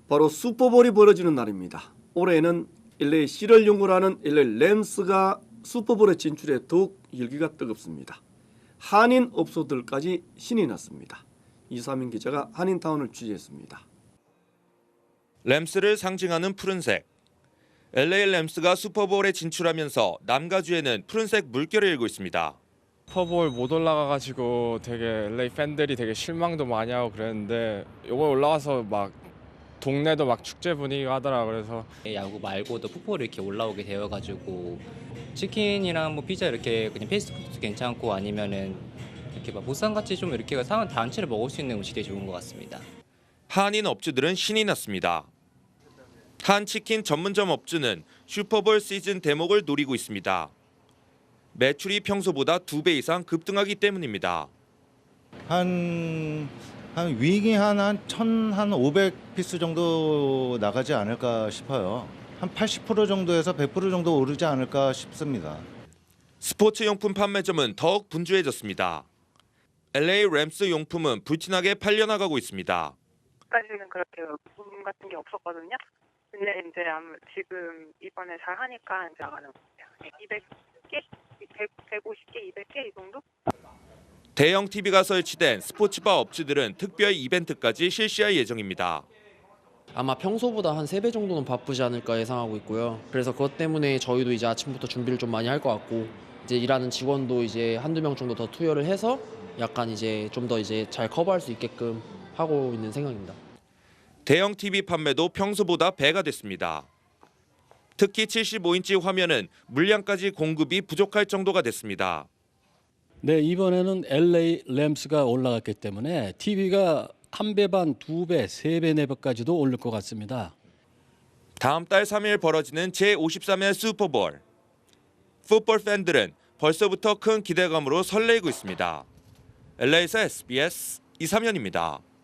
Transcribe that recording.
바로 슈퍼볼이 벌어지는 날입니다. 올해는 LA C를 연구를 하는 LA 램스가 슈퍼볼에 진출해 더욱 열기가 뜨겁습니다. 한인 업소들까지 신이 났습니다. 이사민 기자가 한인타운을 취재했습니다. 램스를 상징하는 푸른색. LA 램스가 슈퍼볼에 진출하면서 남가주에는 푸른색 물결을 일고 있습니다. 슈퍼볼 못 올라가가지고 되게 LA 팬들이 되게 실망도 많이 하고 그랬는데 이번 올라가서 막 동네도 막 축제 분위기가 하더라. 그래서 야구 말고도 풋볼이 이렇게 올라오게 되어가지고 치킨이랑 뭐 피자 이렇게 그냥 패스트푸드도 괜찮고 아니면은 이렇게 막 보쌈같이 좀 이렇게 상한 단체를 먹을 수 있는 음식이 되게 좋은 것 같습니다. 한인 업주들은 신이 났습니다. 한 치킨 전문점 업주는 슈퍼볼 시즌 대목을 노리고 있습니다. 매출이 평소보다 2배 이상 급등하기 때문입니다. 한 윙이 한 1,500피스 정도 나가지 않을까 싶어요. 한 80% 정도에서 100% 정도 오르지 않을까 싶습니다. 스포츠용품 판매점은 더욱 분주해졌습니다. LA 램스 용품은 불티나게 팔려나가고 있습니다. 까지는 그렇게 붐 같은 게 없었거든요. 근데 이제 지금 이번에 잘 하니까 이제 나가는 것 같아요. 200개, 150개, 200개 이 정도? 대형 TV가 설치된 스포츠바 업주들은 특별 이벤트까지 실시할 예정입니다. 아마 평소보다 한 3배 정도는 바쁘지 않을까 예상하고 있고요. 그래서 그것 때문에 저희도 이제 아침부터 준비를 좀 많이 할 것 같고 이제 일하는 직원도 이제 한두 명 정도 더 투여를 해서 약간 이제 좀 더 이제 잘 커버할 수 있게끔 하고 있는 생각입니다. 대형 TV 판매도 평소보다 배가 됐습니다. 특히 75인치 화면은 물량까지 공급이 부족할 정도가 됐습니다. 네, 이번에는 LA 램스가 올라갔기 때문에 TV가 1배 반, 2배, 3배, 4배까지도 오를 것 같습니다. 다음 달 3일 벌어지는 제53회 슈퍼볼. 풋볼 팬들은 벌써부터 큰 기대감으로 설레이고 있습니다. LA에서 SBS 이삼현입니다.